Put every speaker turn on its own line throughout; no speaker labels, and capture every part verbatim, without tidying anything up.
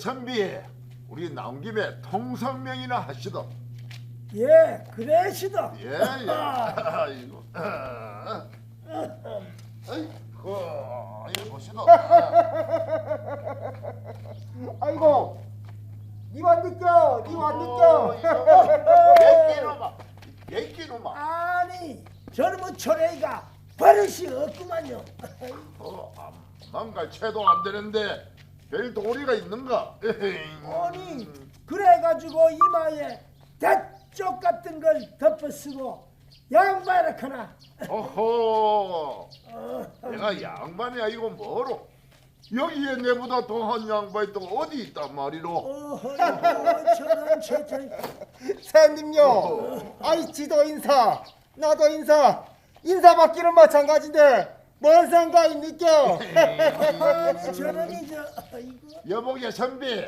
선비, 우리 나온 김에 통성명이나 하시도.
예, 그래시도.
예, 예. 아이고. 아이고, 이거 보시도.
아이고, 니만 느껴, 니만 느껴.
예끼놈아, 예끼놈아.
아니, 젊은 초래가 버릇이 없구만요.
어, 망갈 채도 안 되는데 별 도리가 있는가?
아니, 그래가지고 이마에 대쪽 같은 걸 덮어쓰고 양말을
어허, 내가 양반이 아니고 뭐로? 여기에 내보다 더한 양반이 또 어디 있단 말이로?
어허, 저런 저런.
사장님요, 아이 지도 인사, 나도 인사, 인사받기는 마찬가지인데 뭔 상관이 느껴?
아니, 저런이 저 이거.
여보게 선비,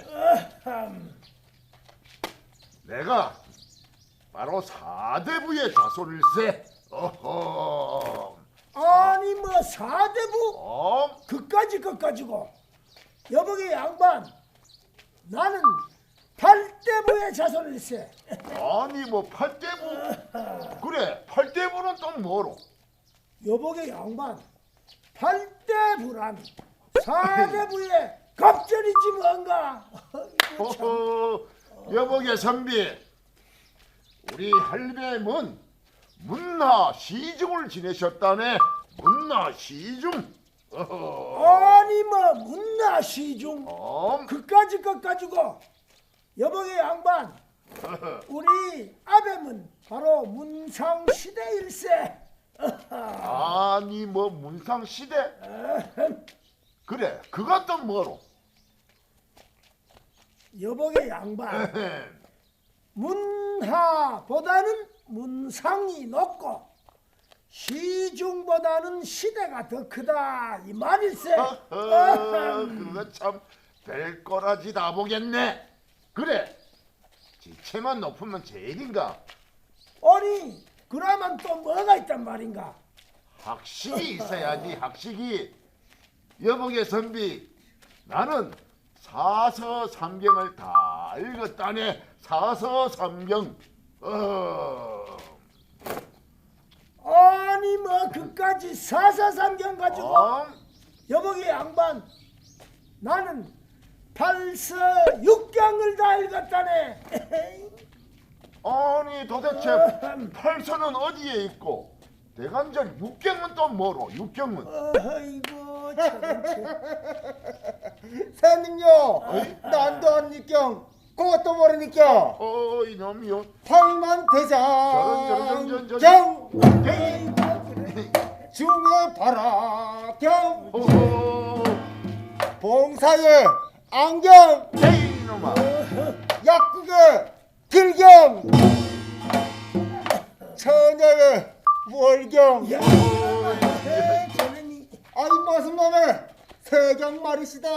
내가 바로 사대부의 자손일세. 어허,
아니 뭐 사대부
어?
그까지 그까지고 여보게 양반 나는 팔대부의 자손일세.
아니 뭐 팔대부? 그래, 팔대부는 또 뭐로?
여보게 양반 팔대부란 사대부의 갑절이지 뭔가. 이거 참.
어허, 여보게 선비, 우리 할매문 문나 시중을 지내셨다네. 문나 시중. 어허,
아니 뭐 문나 시중
어?
그까지 그까지고 여보게 양반 우리 아베문 바로 문상시대일세.
아니 뭐 문상 시대? 그래, 그것도 뭐로?
여보게 양반 문하보다는 문상이 높고 시중보다는 시대가 더 크다 이 말일세.
어허, 그거 참 별거라지 다 보겠네. 그래, 지체만 높으면 제일인가?
아니 그러면 또 뭐가 있단 말인가.
학식이 있어야지, 학식이. 여보게 선비, 나는 사서삼경을 다 읽었다네. 사서삼경. 어.
아니 뭐 그까지 사사삼경 가지고
어?
여보게 양반 나는 팔서육경을 다 읽었다네.
아니 도대체 팔서는 어디에 있고 대간절 육경은 또 뭐로? 육경은?
어이구 참.
사장님요, 난도 안 느껴, 그것도 모르니까.
어, 이놈이요. 저런, 저런, 저런,
팔만대장
저런.
경
에이.
중에 바라경
어허,
봉사에 안경
에이 이놈아.
약국에 길경 처녀의 월경.
야, 저놈이.
아이 무슨 놈의 세경 말이시다.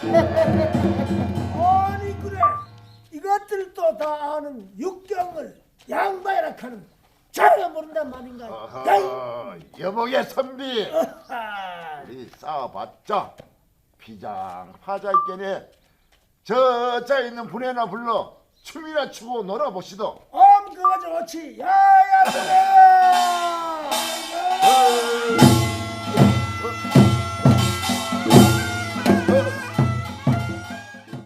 아니 그래 이것들도 다 아는 육경을 양반이라 하는 자네가 모른단 말인가. 야이.
어허, 여보게 선비,
아하.
우리 싸워봤자 피장 파자 있겠네. 저자 있는 분에나 불러 춤이나 추고 놀아보시도.
엄 그거 좋지. 야야 그래.
어, 어,